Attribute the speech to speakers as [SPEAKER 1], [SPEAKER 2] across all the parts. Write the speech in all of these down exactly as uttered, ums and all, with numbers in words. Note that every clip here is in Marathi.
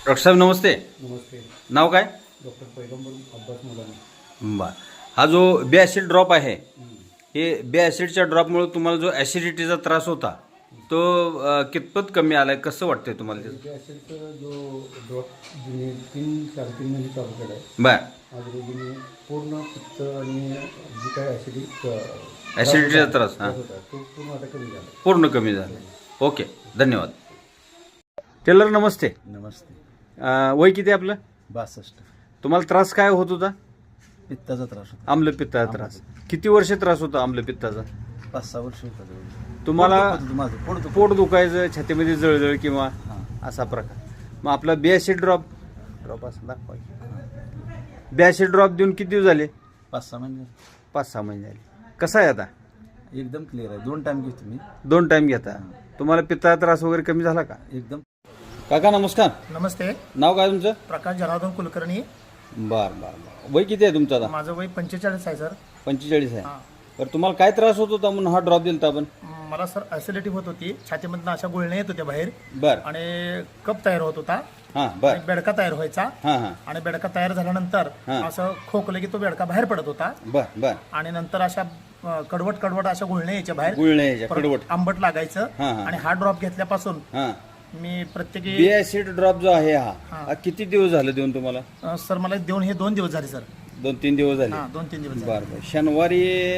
[SPEAKER 1] डॉक्टर साहेब नमस्ते.
[SPEAKER 2] नमस्ते.
[SPEAKER 1] नाव काय?
[SPEAKER 2] डॉक्टर पैगंबर अब्बास मुलानी.
[SPEAKER 1] बर. हा जो बे ॲसिड ड्रॉप आहे, हे बे ॲसिडच्या ड्रॉपमुळे तुम्हाला जो ॲसिडिटीचा त्रास होता तो अ, कितपत कमी आलाय, कसं वाटतंय तुम्हाला त्याचं?
[SPEAKER 2] बे ॲसिडचा जो ड्रॉप जुने तीन साडेतीन महिने चालू केला आहे.
[SPEAKER 1] बर.
[SPEAKER 2] आजूबाजूने पूर्ण पित्त आणि जी काय ॲसिडिक
[SPEAKER 1] ॲसिडिटीचा त्रास हां
[SPEAKER 2] होता तो पूर्ण आता कमी झाला.
[SPEAKER 1] पूर्ण कमी झाला. ओके, धन्यवाद. टेलर नमस्ते.
[SPEAKER 3] नमस्ते.
[SPEAKER 1] अ, वय किती आहे आपलं?
[SPEAKER 3] बासष्ट.
[SPEAKER 1] तुम्हाला त्रास काय होत होता?
[SPEAKER 3] पित्ताचा त्रास होता.
[SPEAKER 1] आम्लपित्ताचा त्रास. किती वर्ष त्रास होता आम्लपित्ताचा?
[SPEAKER 3] पाच सहा वर्ष होता जवळ.
[SPEAKER 1] तुम्हाला
[SPEAKER 3] पोट दुखत होतं माझं पोट दुखत
[SPEAKER 1] पोट दुखायचं, छातीमध्ये जळजळ किंवा
[SPEAKER 3] हां.
[SPEAKER 1] असा प्रकार. मग आपला बे ॲसिड ड्रॉप ड्रॉप असं दाखवा. बे ॲसिड ड्रॉप देऊन किती दिवस झाले?
[SPEAKER 3] पाच सहा महिने
[SPEAKER 1] पाच सहा महिने झाले. कसा आहे आता?
[SPEAKER 3] एकदम क्लिअर आहे. दोन टाइम घेतो मी.
[SPEAKER 1] दोन टाइम घेता. तुम्हाला पित्ताचा त्रास वगैरे कमी झाला का?
[SPEAKER 3] एकदम.
[SPEAKER 1] काका नमस्कार.
[SPEAKER 4] नमस्ते.
[SPEAKER 1] नाव काय तुमचं?
[SPEAKER 4] प्रकाश जनार्दन कुलकर्णी.
[SPEAKER 1] बर बर बर. वय किती आहे तुमचं आता?
[SPEAKER 4] माझं वय पंचेचाळीस आहे सर.
[SPEAKER 1] पंचेचाळीस आहे.
[SPEAKER 4] हां.
[SPEAKER 1] बरं, तुम्हाला काय त्रास होत होता म्हणून हा ड्रॉप दिलता आपण?
[SPEAKER 4] मला सर ॲसिडिटी होत होती, छातीमधनं अशा गुळण्या येत होत्या बाहेर
[SPEAKER 1] बर.
[SPEAKER 4] आणि कप तयार होत होता
[SPEAKER 1] हां बर.
[SPEAKER 4] आणि बेडका तयार व्हायचा
[SPEAKER 1] हां हां
[SPEAKER 4] आणि बेडका तयार झाल्यानंतर
[SPEAKER 1] हां.
[SPEAKER 4] असं खोकलं की तो बेडका बाहेर पडत होता
[SPEAKER 1] बर बर.
[SPEAKER 4] आणि नंतर अशा अ, कडवट कडवट अशा गुळण्या यायच्या बाहेर,
[SPEAKER 1] गुळण्या यायच्या,
[SPEAKER 4] परत
[SPEAKER 1] कडवट.
[SPEAKER 4] आंबट लागायचं.
[SPEAKER 1] हां, हां.
[SPEAKER 4] आणि हा ड्रॉप घेतल्यापासून
[SPEAKER 1] हां.
[SPEAKER 4] मी प्रत्येकी
[SPEAKER 1] बे ॲसिड ड्रॉप जो आहे हा
[SPEAKER 4] हां.
[SPEAKER 1] हा किती दिवस झाले देऊन तुम्हाला?
[SPEAKER 4] अ, सर मला देऊन हे दोन दिवस झाले सर.
[SPEAKER 1] दोन तीन दिवस झाले.
[SPEAKER 4] हां, दोन तीन दिवस झाले.
[SPEAKER 1] बर बर. शनिवारी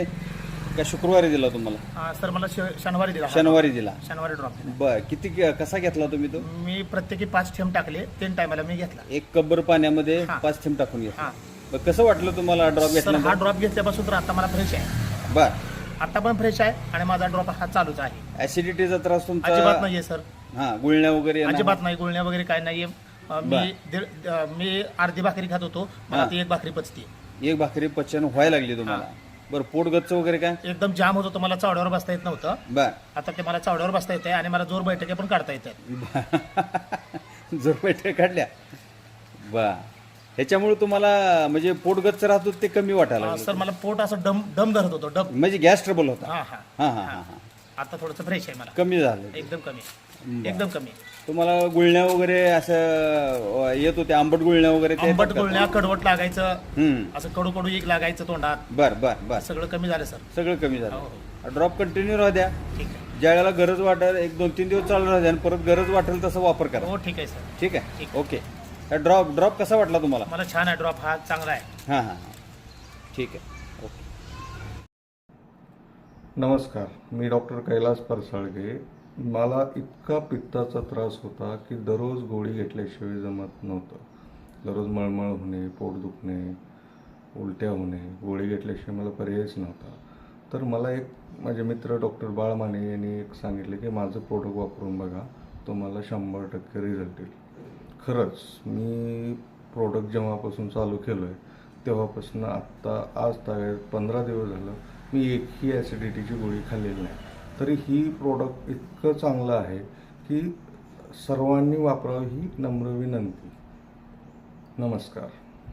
[SPEAKER 1] का शुक्रवारी दिला तुम्हाला?
[SPEAKER 4] हा, सर मला श- शनिवारी दिला हा.
[SPEAKER 1] शनिवारी दिला.
[SPEAKER 4] शनिवारी ड्रॉप दिला.
[SPEAKER 1] बर. किती कसा घेतला तुम्ही तो?
[SPEAKER 4] मी प्रत्येकी पाच थेंब टाकले, तीन टायमाला मी घेतला.
[SPEAKER 1] एक कब्बर पाण्यामध्ये
[SPEAKER 4] हां.
[SPEAKER 1] पाच थेंब टाकून घेतला.
[SPEAKER 4] हा
[SPEAKER 1] बरं, कसं वाटलं तुम्हाला ड्रॉप
[SPEAKER 4] सर, हा
[SPEAKER 1] घेतल्यानंतर?
[SPEAKER 4] ड्रॉप घेतल्यापासून तर आता मला फ्रेश आहे.
[SPEAKER 1] बर.
[SPEAKER 4] आता पण फ्रेश आहे आणि माझा ड्रॉप हा चालूच आहे.
[SPEAKER 1] ऍसिडिटीचा त्रास तुमचा
[SPEAKER 4] अजिबात नाहीये सर.
[SPEAKER 1] हा, गुळण्या वगैरे येणं?
[SPEAKER 4] अजिबात नाही, गुळण्या वगैरे काय नाहीये. अ, मी
[SPEAKER 1] बर.
[SPEAKER 4] दीड- अ, मी अर्धी भाकरी खात होतो, मला
[SPEAKER 1] हा.
[SPEAKER 4] ती एक भाकरी पचते.
[SPEAKER 1] एक भाकरी पचन व्हायला लागली तुम्हाला? बरं, पोट गच्च वगैरे काय?
[SPEAKER 4] एकदम जाम होत होतं, मला चावड्यावर बसता येत नव्हतं.
[SPEAKER 1] बर.
[SPEAKER 4] आता ते मला चावड्यावर बसता येते आणि मला जोर बैठके पण काढता येतात.
[SPEAKER 1] जोर बैठक काढल्या. बर. ह्याच्यामुळे तुम्हाला म्हणजे पोट गच्च राहत होतं ते कमी वाटायला
[SPEAKER 4] अ,
[SPEAKER 1] लागलं?
[SPEAKER 4] सर मला पोट असं डम डम धरत होतं, डम.
[SPEAKER 1] म्हणजे गॅस ट्रबल होता?
[SPEAKER 4] हा हा
[SPEAKER 1] हा हा हा हा.
[SPEAKER 4] आता थोडंसं फ्रेश आहे मला,
[SPEAKER 1] कमी झालं?
[SPEAKER 4] एकदम कमी,
[SPEAKER 1] बरं.
[SPEAKER 4] एकदम कमी.
[SPEAKER 1] तुम्हाला गुळण्या वगैरे असं अं, येत होते, आंबट गुळण्या वगैरे ते
[SPEAKER 4] आंबट
[SPEAKER 1] येतात का?
[SPEAKER 4] गुळण्या, कडवट लागायचं,
[SPEAKER 1] हम्म.
[SPEAKER 4] असं कडू कडू एक लागायचं तोंडात,
[SPEAKER 1] बर बर बर.
[SPEAKER 4] सगळं कमी झालं सर.
[SPEAKER 1] सगळं कमी
[SPEAKER 4] हो,
[SPEAKER 1] झालं. ड्रॉप कंटिन्यू राहू द्या.
[SPEAKER 4] ठीक आहे.
[SPEAKER 1] ज्या वेळेला गरज वाटेल एक दोन तीन दिवस चालू राहू द्या आणि परत गरज वाटेल तसं वापर करा.
[SPEAKER 4] हो ठीक आहे सर.
[SPEAKER 1] ठीक आहे.
[SPEAKER 4] ठीक.
[SPEAKER 1] ओके. ड्रॉप ड्रॉप कसा वाटला तुम्हाला?
[SPEAKER 4] मला छान आहे ड्रॉप, हा चांगला आहे.
[SPEAKER 1] हां हां हां. ठीक आहे. ओके.
[SPEAKER 5] नमस्कार, मी डॉक्टर कैलास परसाळगे. मला इतका पित्ताचा त्रास होता की दररोज गोळी घेतल्याशिवाय जमत नव्हतं. दररोज मळमळ होणे, पोट दुखणे, उलट्या होणे, गोळी घेतल्याशिवाय मला पर्यायच नव्हता. तर मला एक माझे मित्र डॉक्टर बाळ माने यांनी एक सांगितले की माझं प्रोडक्ट वापरून बघा, तुम्हाला शंभर टक्के रिझल्ट येईल. खरंच मी प्रोडक्ट जेव्हापासून चालू केलं आहे तेव्हापासून आत्ता आज ताय पंधरा दिवस झालं मी एकही ॲसिडिटीची गोळी खाल्लेली नाही. तरी ही प्रोडक्ट इतकं चांगलं आहे की सर्वांनी वापरावं ही नम्र विनंती. नमस्कार.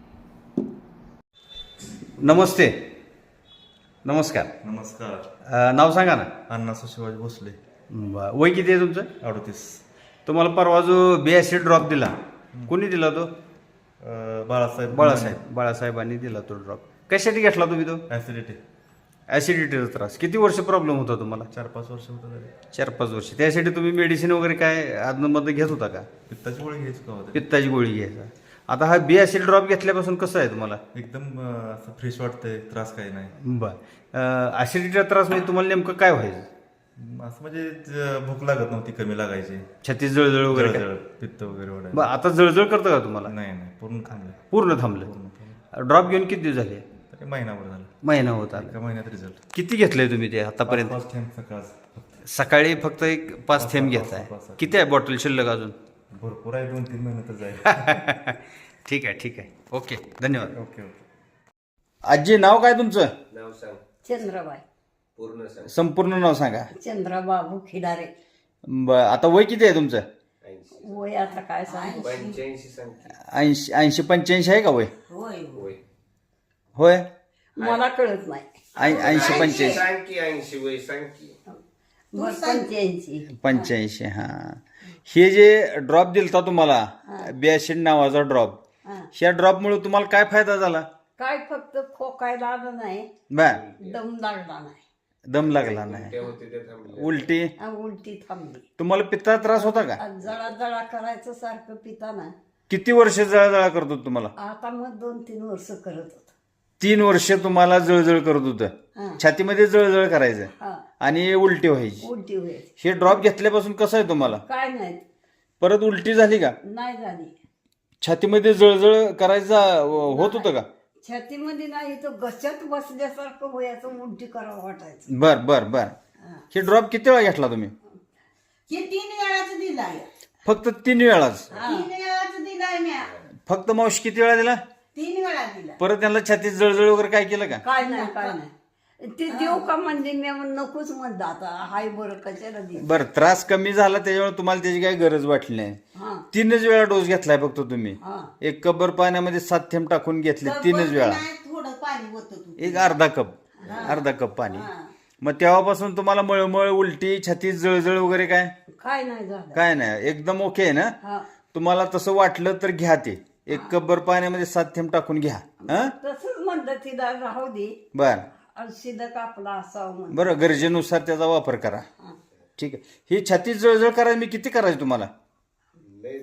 [SPEAKER 1] नमस्ते. नमस्कार.
[SPEAKER 6] नमस्कार.
[SPEAKER 1] अं, नाव सांगा ना.
[SPEAKER 6] अण्णासाहेब शिवाजी भोसले.
[SPEAKER 1] बरं. वय किती आहे तुमचं?
[SPEAKER 6] अडतीस.
[SPEAKER 1] तुम्हाला परवा जो बे ॲसिड ड्रॉप दिला, कोणी दिला तो?
[SPEAKER 6] अं, बाळासाहेब
[SPEAKER 1] बाळासाहेब बाळासाहेबांनी दिला तो ड्रॉप. कशासाठी घेतला तुम्ही तो?
[SPEAKER 6] ऍसिडिटी.
[SPEAKER 1] ॲसिडिटीचा त्रास. किती वर्ष प्रॉब्लेम होता तुम्हाला?
[SPEAKER 6] चार पाच वर्ष होतं तरी.
[SPEAKER 1] चार पाच वर्ष. त्यासाठी तुम्ही मेडिसिन वगैरे काय आदनमध्ये घेत होता का?
[SPEAKER 6] पित्ताची गोळी घ्यायची का होते?
[SPEAKER 1] पित्ताची गोळी घ्यायचा. आता हा बे ॲसिड ड्रॉप घेतल्यापासून कसं आहे तुम्हाला?
[SPEAKER 6] एकदम अं, असं फ्रेश वाटतंय, त्रास काही नाही.
[SPEAKER 1] बरं. ॲसिडिटीचा त्रास म्हणजे तुम्हाला नेमकं काय व्हायचं?
[SPEAKER 6] असं म्हणजे ज- भूक लागत नव्हती, कमी लागायची,
[SPEAKER 1] छाती जळजळ वगैरे काय?
[SPEAKER 6] जळजळ, पित्त वगैरे वाढायचं.
[SPEAKER 1] बरं, आता जळजळ करतं का तुम्हाला?
[SPEAKER 6] नाही नाही, पूर्ण थांबलं.
[SPEAKER 1] पूर्ण थांबलं.
[SPEAKER 6] पूर्ण थांबलं.
[SPEAKER 1] ड्रॉप घेऊन किती दिवस झाले?
[SPEAKER 6] तरी महिनाभर झालं.
[SPEAKER 1] महिना होत आला.
[SPEAKER 6] एका महिन्यात रिझल्ट.
[SPEAKER 1] किती घेतलंय तुम्ही ते आतापर्यंत?
[SPEAKER 6] पाच थेंब सकाळ.
[SPEAKER 1] सकाळी फक्त एक पाच थेंब
[SPEAKER 6] पाच-
[SPEAKER 1] घेताय.
[SPEAKER 6] पाच- पाच-
[SPEAKER 1] किती आहे बॉटल शिल्लक अजून?
[SPEAKER 6] भरपूर आहे, दोन तीन महिने तर जाईल.
[SPEAKER 1] ठीक आहे ठीक आहे. ओके, धन्यवाद.
[SPEAKER 6] Okay okay.
[SPEAKER 1] आजी, नाव काय तुमचं?
[SPEAKER 7] चंद्रबाई.
[SPEAKER 1] संपूर्ण नाव सांगा.
[SPEAKER 7] चंद्रबाबू खिडारे.
[SPEAKER 1] ब- आता वय किती आहे तुमचं?
[SPEAKER 7] वय आता काय सांग.
[SPEAKER 1] ऐंशी ऐंशी पंच्याऐंशी आहे का वय?
[SPEAKER 7] होय
[SPEAKER 1] होय.
[SPEAKER 7] मला कळत नाही.
[SPEAKER 1] ऐं- ऐंशी पंच्याऐंशी
[SPEAKER 7] मग पंच्याऐंशी.
[SPEAKER 1] पंच्याऐंशी. हा. हे जे ड्रॉप दिलता तुम्हाला बी ऍसिड नावाचा ड्रॉप.
[SPEAKER 7] हा.
[SPEAKER 1] ह्या ड्रॉपमुळे तुम्हाला काय फायदा झाला?
[SPEAKER 7] काय फक्त खोकायला आलं नाही,
[SPEAKER 1] बर,
[SPEAKER 7] दम लागला नाही,
[SPEAKER 1] दम लागला नाही, उलटी,
[SPEAKER 7] आ, उलटी थांबली.
[SPEAKER 1] तुम्हाला पित्ताचा त्रास होता का?
[SPEAKER 7] आ, जळा जळा करायचं सारखं पिताना.
[SPEAKER 1] किती वर्ष जळजळ करत होत तुम्हाला?
[SPEAKER 7] आता मग दोन तीन वर्ष करत होत.
[SPEAKER 1] तीन वर्ष तुम्हाला जळजळ करत होतं,
[SPEAKER 7] हा
[SPEAKER 1] छातीमध्ये जळजळ करायचं
[SPEAKER 7] हा
[SPEAKER 1] आणि उलटी व्हायची.
[SPEAKER 7] उलटी होईल.
[SPEAKER 1] हे ड्रॉप घेतल्यापासून कसं आहे तुम्हाला?
[SPEAKER 7] काय नाही,
[SPEAKER 1] परत उलटी झाली का?
[SPEAKER 7] नाही झाली.
[SPEAKER 1] छातीमध्ये जळजळ करायचा होत होतं का?
[SPEAKER 7] छातीमध्ये नाही, तो घशात बसल्यासारखं व्हायचं, उलटी करावं वाटायचं.
[SPEAKER 1] बर बर बर. हे ड्रॉप किती वेळा घेतला तुम्ही?
[SPEAKER 8] हे तीन वेळाच दिलाय,
[SPEAKER 1] फक्त तीन वेळाच?
[SPEAKER 8] तीन वेळाच दिलाय म्या,
[SPEAKER 1] फक्त मावशी किती वेळा दिला?
[SPEAKER 8] तीन वेळा दिला.
[SPEAKER 1] परत त्यांना छातीत जळजळ वगैरे काय केलं का?
[SPEAKER 7] काय नाही काय नाही. ते देऊ का म्हणजे मी नकोच म्हणलं, आता हाय बरं कशाला दे.
[SPEAKER 1] बरं, त्रास कमी झाला त्याच्यामुळे तुम्हाला त्याची काही गरज वाटली नाही.
[SPEAKER 7] हा
[SPEAKER 1] तीनच वेळा डोस घेतलाय फक्त तुम्ही.
[SPEAKER 7] हा
[SPEAKER 1] एक कबर पाण्यामध्ये सात थेंब टाकून घेतले तीनच वेळा.
[SPEAKER 8] नाही, थोडं पाणी होत तू.
[SPEAKER 1] एक अर्धा कप अर्धा कप पाणी. मग तेव्हापासून तुम्हाला मळमळ, उलटी, छातीत जळजळ वगैरे काय
[SPEAKER 7] काय नाही झालं.
[SPEAKER 1] काय नाही, एकदम ओके आहे ना?
[SPEAKER 7] हा
[SPEAKER 1] तुम्हाला तसं वाटलं तर घ्या ते. एक कबर पाण्यामध्ये सात थेंब टाकून घ्या. हा
[SPEAKER 7] तसंच म्हणलं तिला राहू दे,
[SPEAKER 1] बर
[SPEAKER 7] शिदा कापला असावं म्हणून.
[SPEAKER 1] बरं, गरजेनुसार त्याचा वापर करा. ठीक आहे. ही छातीत जळजळ करायला मी किती करायची तुम्हाला?
[SPEAKER 8] लय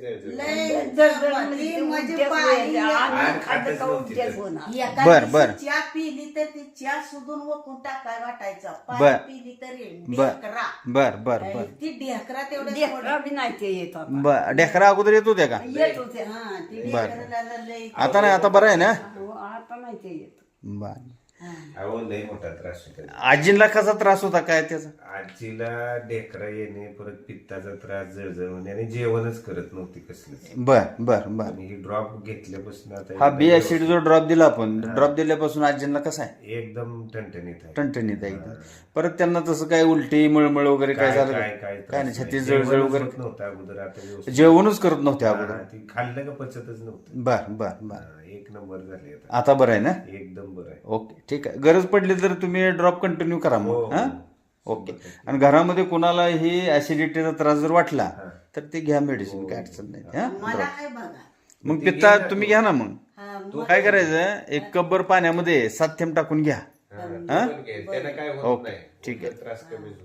[SPEAKER 7] जळजळ म्हणजे ते
[SPEAKER 8] म्हणजे
[SPEAKER 7] उलट्याच
[SPEAKER 8] पाणी
[SPEAKER 7] व्हायच्या. अन्न खाल्लं का उलट्याच होणार.
[SPEAKER 8] एका
[SPEAKER 1] बर,
[SPEAKER 8] दिवशी
[SPEAKER 1] बर.
[SPEAKER 8] चहा पिली तर ती चहा सुधून वकून टाकाय वाटायचं.
[SPEAKER 1] बर.
[SPEAKER 8] पाणी पिली तरी
[SPEAKER 1] बर
[SPEAKER 8] ढेकरा.
[SPEAKER 1] बर बर बर
[SPEAKER 8] ती ढेकरा तेवढं
[SPEAKER 7] लेकरं बी नाही ते येत आता.
[SPEAKER 1] बर. ढेकरा अगोदर येत होत्या का?
[SPEAKER 7] येत होते.
[SPEAKER 8] हा ती
[SPEAKER 1] बर.
[SPEAKER 8] ढेकराला लय
[SPEAKER 1] आता नाही, आता बरं आहे ना?
[SPEAKER 7] हो, आता नाही ते येत.
[SPEAKER 1] बर.
[SPEAKER 9] अहो लय मोठा त्रास होता.
[SPEAKER 1] आजींना कसा त्रास होता काय त्याचा?
[SPEAKER 9] आजीला ढेकरा येणे, परत पित्ताचा त्रास, जळजळ होणे आणि जेवणच करत नव्हती कसलंच.
[SPEAKER 1] बर बर बर.
[SPEAKER 9] आणि ही ड्रॉप घेतल्यापासून आता
[SPEAKER 1] हा
[SPEAKER 9] एकदम
[SPEAKER 1] बी ऍसिड जो ड्रॉप दिला आपण, ड्रॉप दिल्यापासून आजींना कसा आहे?
[SPEAKER 9] एकदम ठणठणीत आहे.
[SPEAKER 1] टणटणीत आहे एकदम. परत त्यांना तसं काय उलटी, मळमळ वगैरे काय झालं
[SPEAKER 9] काय
[SPEAKER 1] का?
[SPEAKER 9] काय
[SPEAKER 1] काय नाही,
[SPEAKER 9] त्रास
[SPEAKER 1] छातीत
[SPEAKER 9] नाही.
[SPEAKER 1] जळजळ
[SPEAKER 9] जेवणच
[SPEAKER 1] वगैरे
[SPEAKER 9] होत नव्हतं अगोदर, आता व्यवस्थित.
[SPEAKER 1] जेवणच करत नव्हते अगोदर.
[SPEAKER 9] हा, ती खाल्लं का पचतच नव्हतं.
[SPEAKER 1] बर बर बर.
[SPEAKER 9] हा, एक नंबर झाले आता.
[SPEAKER 1] आता बरं आहे ना?
[SPEAKER 9] एकदम बरं आहे.
[SPEAKER 1] ओके, ठीक आहे. गरज पडली तर तुम्ही ड्रॉप कंटिन्यू करा
[SPEAKER 9] हो,
[SPEAKER 1] मग.
[SPEAKER 9] हो.
[SPEAKER 1] हा ओके. आणि घरामध्ये कोणाला ही ऍसिडिटीचा त्रास जर वाटला तर ते घ्या मेडिसिन, काय अडचण नाही. हा
[SPEAKER 8] मला
[SPEAKER 1] drop.
[SPEAKER 8] काय बघा.
[SPEAKER 1] मग पित्ता तुम्ही घ्या ना. मग
[SPEAKER 8] हा, मग
[SPEAKER 1] काय करायचं, एक कब्बर पाण्यामध्ये सात थेंब टाकून घ्या. हा ओके, ठीक आहे.
[SPEAKER 9] त्रास कमी होतो.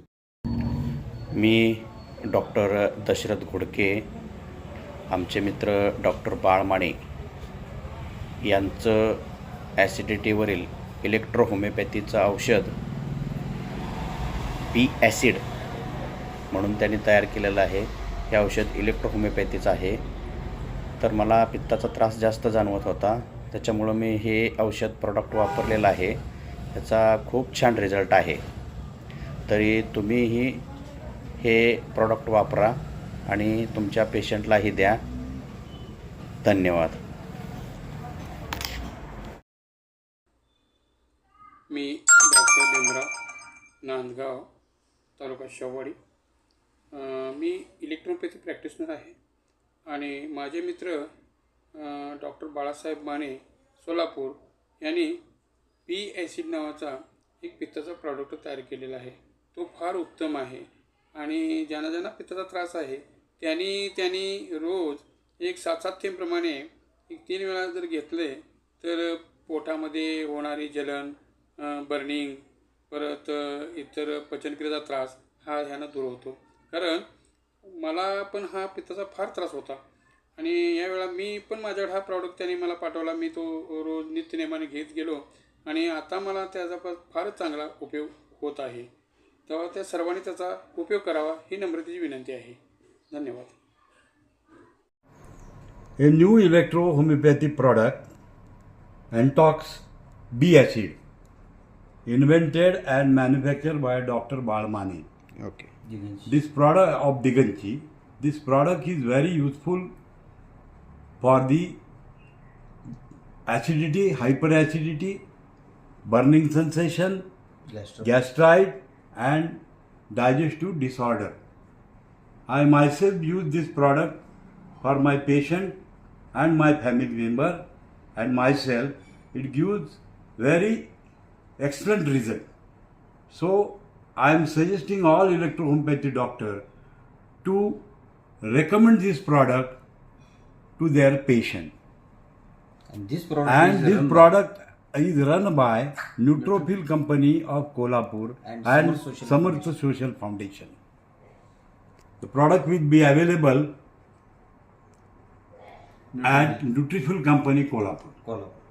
[SPEAKER 10] मी डॉक्टर दशरथ घोडके, आमचे मित्र डॉक्टर बाळमाणे यांचं ॲसिडिटीवरील इलेक्ट्रो होमिओपॅथीचं औषध बी ॲसिड म्हणून त्यांनी तयार केलेलं आहे. हे औषध इलेक्ट्रो होमिओपॅथीचं आहे. तर मला पित्ताचा त्रास जास्त जाणवत होता, त्याच्यामुळं मी हे औषध प्रॉडक्ट वापरलेलं आहे. त्याचा खूप छान रिझल्ट आहे. तरी तुम्हीही हे प्रॉडक्ट वापरा आणि तुमच्या पेशंटलाही द्या. धन्यवाद.
[SPEAKER 11] मी डॉक्टर भीमराव, नांदगाव, तालुका शेववाडी. मी इलेक्ट्रोपॅथी प्रॅक्टिशनर आहे आणि माझे मित्र डॉक्टर बाळासाहेब माने, सोलापूर यांनी बी ॲसिड नावाचा एक पित्ताचा प्रॉडक्ट तयार केलेला आहे. तो फार उत्तम आहे आणि ज्यांना ज्यांना पित्ताचा त्रास आहे त्यांनी त्यांनी रोज एक सात सात थेंबप्रमाणे एक तीन वेळा जर घेतले तर पोटामध्ये होणारी जलन, बर्निंग, परत इतर पचनक्रियेचा त्रास हा ह्यानं दूर होतो. कारण मला पण हा पित्ताचा फार त्रास होता आणि यावेळा मी पण माझ्याकडे हा प्रॉडक्ट त्यांनी मला पाठवला. मी तो रोज नित्यनेमाने घेत गेलो आणि आता मला त्याचा फारच चांगला उपयोग होत आहे. तेव्हा त्या सर्वांनी त्याचा उपयोग करावा ही नम्रतेची विनंती आहे. धन्यवाद.
[SPEAKER 2] A new electro homeopathy product, Antox B acid, invented and manufactured by Doctor Balmani.
[SPEAKER 1] Okay.
[SPEAKER 2] This product of Diganchi, this product is very useful for the acidity, hyperacidity, burning sensation, gastrite, and digestive disorder. I myself use this product for my patient and my family member and myself. It gives very excellent result. So I am suggesting all electro homeopathy doctor to recommend this product to their patient.
[SPEAKER 1] And this product
[SPEAKER 2] And
[SPEAKER 1] is
[SPEAKER 2] this
[SPEAKER 1] run by-
[SPEAKER 2] product is run by Neutrophil Company of Kolhapur
[SPEAKER 1] And
[SPEAKER 2] and
[SPEAKER 1] Samarth Social
[SPEAKER 2] Samarth Social Foundation. The product will be available at Nutrifil Company Kolhapur.
[SPEAKER 1] Kolhapur.